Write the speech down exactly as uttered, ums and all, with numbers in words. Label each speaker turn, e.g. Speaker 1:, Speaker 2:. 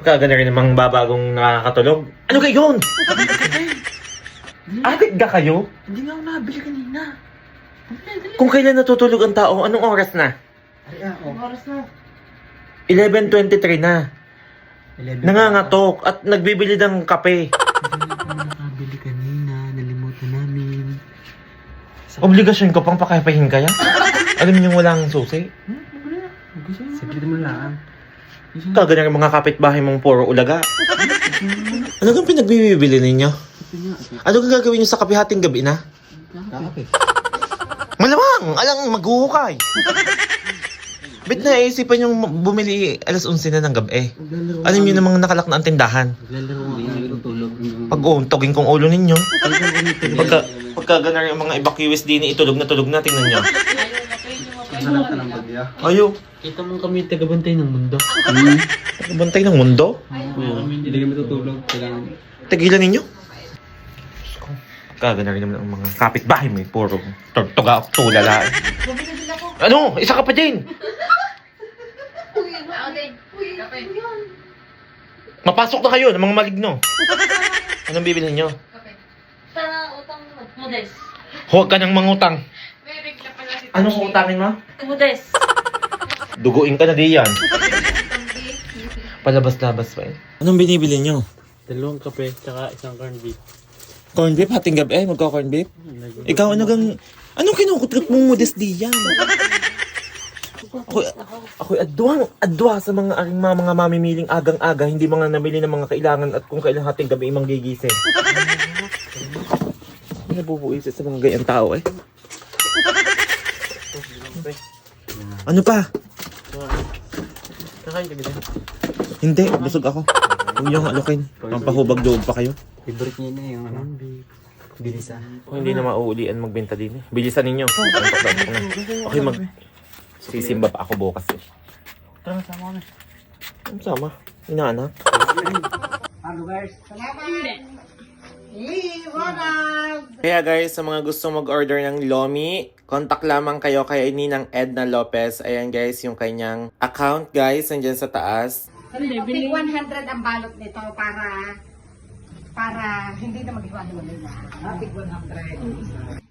Speaker 1: Kaga na rin namang babagong nakakatulog. Ano kayo yun? Adik ka kayo?
Speaker 2: Hindi nga ako nabili kanina.
Speaker 1: Kung kailan natutulog ang tao, anong oras na?
Speaker 2: Ay, ako. Ang oras na.
Speaker 1: eleven twenty-three na.
Speaker 2: eleven
Speaker 1: Nangangatok at nagbibili ng kape.
Speaker 2: Hindi ako nakabili kanina. Nalimutan namin.
Speaker 1: Obligasyon ko pang pakapahin kaya? Alam niyo walang susi?
Speaker 2: Hmm? Wala na. Saglit mo lang.
Speaker 1: Kaga na rin mga kapitbahay mong puro ulaga. Ano kang pinagbibili ninyo? Ano kang gagawin niyo sa kape hating gabi na?
Speaker 2: Kakape.
Speaker 1: Malamang! Alang maghuhukay! Ba't naisipan yung bumili alas onse na ng gabi? Alam niyo namang nakalak na ang tindahan.
Speaker 2: Naglalaro kami. Natutulog.
Speaker 1: Pag-uuntogin kong ulo ninyo. Pagka, pagka gana rin yung mga evacuees din, itulog na tulog na, tingnan nyo.
Speaker 2: Hanap ka ng bagya.
Speaker 1: Ayo,
Speaker 2: Kita mo kami tagabantay ng mundo.
Speaker 1: bantay ng mundo.
Speaker 2: Oo. Hindi kami tutulog. Kailangan.
Speaker 1: Tigilan ninyo. Kaga na rin naman ang mga kapitbahay may puro tortuga o tulala. Ano? Isa ka pa din! Mapasok na kayo ng mga maligno. Anong bibili nyo?
Speaker 3: Sa utang Modes.
Speaker 1: Huwag ka nang mangutang.
Speaker 3: May regla pala si
Speaker 1: Anong utangin mo?
Speaker 3: Modes.
Speaker 1: Duguin ka na diyan. Palabas-labas pa eh. Anong binibili nyo?
Speaker 2: Dalawang kape, tsaka isang corned beef.
Speaker 1: Corn beef? Hating gabi eh? Magka-corn beef? Ikaw ano gang... Anong kinukutrip mong modest diyan? Ako, ako'y adwang, adwa sa mga aking mga, mga mamimiling agang-aga, hindi mga nabili ng mga kailangan at kung kailan hating gabi imang gigising. Hindi nabubuisit sa mga gayang tao eh. Ano pa?
Speaker 2: Kakain ka gano'n?
Speaker 1: Hindi, busog ako. Huwag niyong alukin. Pampahubag loob pa kayo.
Speaker 2: Favorite niya na yung ano? Bilisa.
Speaker 1: Kung hindi na mauulian magbenta din eh. Bilisan ninyo. Antok-antok na. Okay, mag... Sisimba pa ako bukas eh.
Speaker 2: Tara, sama kami.
Speaker 1: Ang sama. Inaanak. Kaya guys, sa mga gusto mag-order ng Lomi, contact lamang kayo kay Ninang Edna Lopez. Ayan guys, yung kanyang account guys, nandyan sa taas.
Speaker 4: Tig one hundred ang balot nito para para hindi na maghiwa-hiwalay na. Tig one hundred.